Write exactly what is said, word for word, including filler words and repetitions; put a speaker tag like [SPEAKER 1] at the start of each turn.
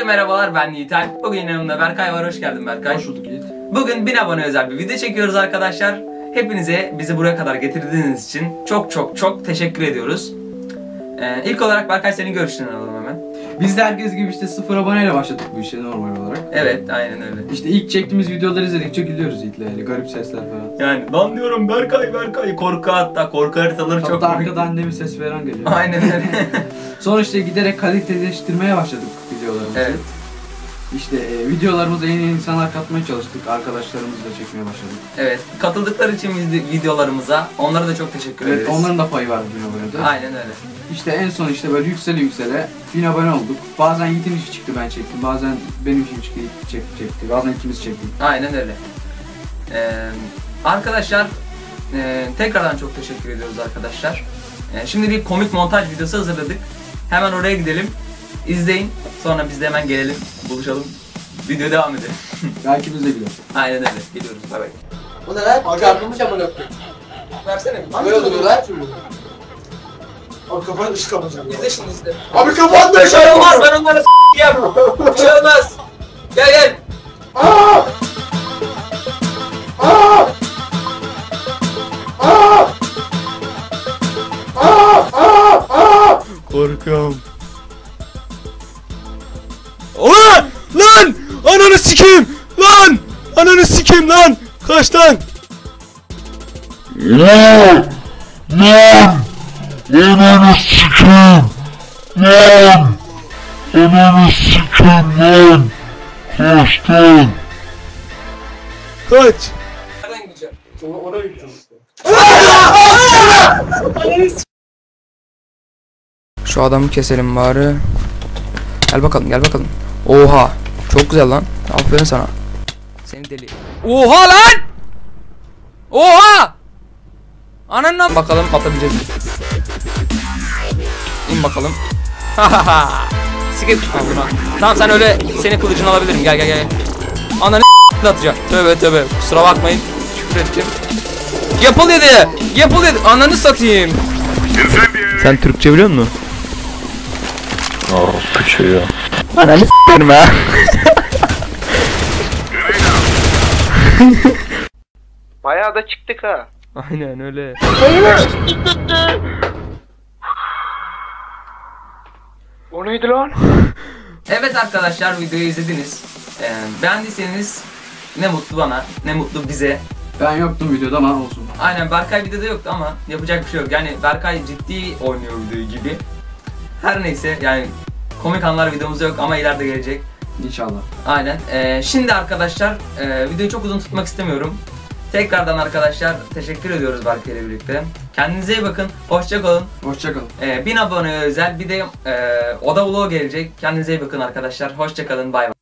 [SPEAKER 1] Herkese merhabalar, ben Yiğiter. Bugün yanımda Berkay var, hoş geldin Berkay.
[SPEAKER 2] Hoş bulduk Yiğit.
[SPEAKER 1] Bugün bin abone özel bir video çekiyoruz arkadaşlar. Hepinize bizi buraya kadar getirdiğiniz için çok çok çok teşekkür ediyoruz. Ee, ilk olarak Berkay senin görüşlerini alalım hemen.
[SPEAKER 2] Biz de herkes gibi işte sıfır aboneyle başladık bu işe normal olarak.
[SPEAKER 1] Evet, aynen öyle.
[SPEAKER 2] İşte ilk çektiğimiz videoları izledikçe gülüyoruz Yiğit'le, yani garip sesler falan.
[SPEAKER 1] Yani lan diyorum Berkay Berkay korku hatta korku haritaları
[SPEAKER 2] Hatta
[SPEAKER 1] çok
[SPEAKER 2] Hatta
[SPEAKER 1] komik.
[SPEAKER 2] arkada annemin ses veren geliyor.
[SPEAKER 1] Aynen öyle.
[SPEAKER 2] Sonra işte giderek kaliteleştirmeye başladık videolarımızı.
[SPEAKER 1] Evet.
[SPEAKER 2] İşte e, videolarımıza yeni insanlar katmaya çalıştık, arkadaşlarımızla çekmeye başladık.
[SPEAKER 1] Evet, katıldıkları için videolarımıza onlara da çok teşekkür
[SPEAKER 2] Evet,
[SPEAKER 1] ederiz.
[SPEAKER 2] onların da payı var bin abonede.
[SPEAKER 1] Aynen öyle.
[SPEAKER 2] İşte en son işte böyle yüksele yüksele bin abone olduk. Bazen Yiğit'in işi çıktı ben çektim, bazen benim işim çıktı Yiğit çekti, çekti. Bazen ikimiz çektik.
[SPEAKER 1] Aynen öyle. Ee, arkadaşlar e, tekrardan çok teşekkür ediyoruz arkadaşlar. E, şimdi bir komik montaj videosu hazırladık. Hemen oraya gidelim. İzleyin. Sonra biz de hemen gelelim. Buluşalım. Video devam edelim.
[SPEAKER 2] Belki biz de güleriz.
[SPEAKER 1] Aynen öyle. Gidiyoruz. Bay bay.
[SPEAKER 3] Bu ne lan? Çarpılmış amına koyayım.
[SPEAKER 1] Versene bir.
[SPEAKER 3] Böyle oluyor lan.
[SPEAKER 4] Abi kapat ışık kapatacağım.
[SPEAKER 1] İzle şimdi izle.
[SPEAKER 4] Abi kapat da
[SPEAKER 1] Bir şey olmaz. Ben onlara s***yim. Bir şey olmaz. Gel gel.
[SPEAKER 4] Aa! Aa! Aa! Aa! Aa! Aa!
[SPEAKER 5] Korkuyorum. Ulan! Lan! Ananı sikeyim! Lan! Ananı sikeyim lan! Kaç lan!
[SPEAKER 6] Lan! Lan! Ananı sikeyim! Lan! Ananı sikeyim lan! Kaç lan!
[SPEAKER 5] Kaç!
[SPEAKER 1] Nereden gideceğim?
[SPEAKER 4] Sonra oraya gideceğiz işte.
[SPEAKER 7] Şu adamı keselim bari. Gel bakalım, gel bakalım. Oha, çok güzel lan. Aferin sana. Seni deli. Oha lan! Oha! Ananla bakalım atabileceğiz mi? İn bakalım. Hahaha. Sikip al bunu. Tamam sen öyle senin kılıcını alabilirim. Gel gel gel. Ananı atacağım. Tövbe tövbe. Kusura bakmayın. Küfür ettim. Yapıl dedi. Yapıl dedi. Ananı satayım. Sen Türkçe biliyor musun?
[SPEAKER 6] Orospu çocuğu.
[SPEAKER 7] Ananı s**erim ha.
[SPEAKER 3] Bayağı da çıktık ha.
[SPEAKER 7] Aynen öyle.
[SPEAKER 3] O neydi lan?
[SPEAKER 1] Evet arkadaşlar videoyu izlediniz. Ee, beğendiyseniz ne mutlu bana, ne mutlu bize.
[SPEAKER 2] Ben yoktum videoda ama olsun.
[SPEAKER 1] Aynen Berkay videoda yoktu ama yapacak bir şey yok. Yani Berkay ciddi oynuyor videoyu gibi. Her neyse yani komik anlar videomuzda yok ama ileride gelecek.
[SPEAKER 2] İnşallah.
[SPEAKER 1] Aynen. Ee, şimdi arkadaşlar e, videoyu çok uzun tutmak istemiyorum. Tekrardan arkadaşlar teşekkür ediyoruz Berkay ile birlikte. Kendinize iyi bakın. Hoşça kalın.
[SPEAKER 2] Hoşçakalın.
[SPEAKER 1] Ee, bin abone özel bir de e, oda vlog gelecek. Kendinize iyi bakın arkadaşlar. Hoşça kalın. Bay bay.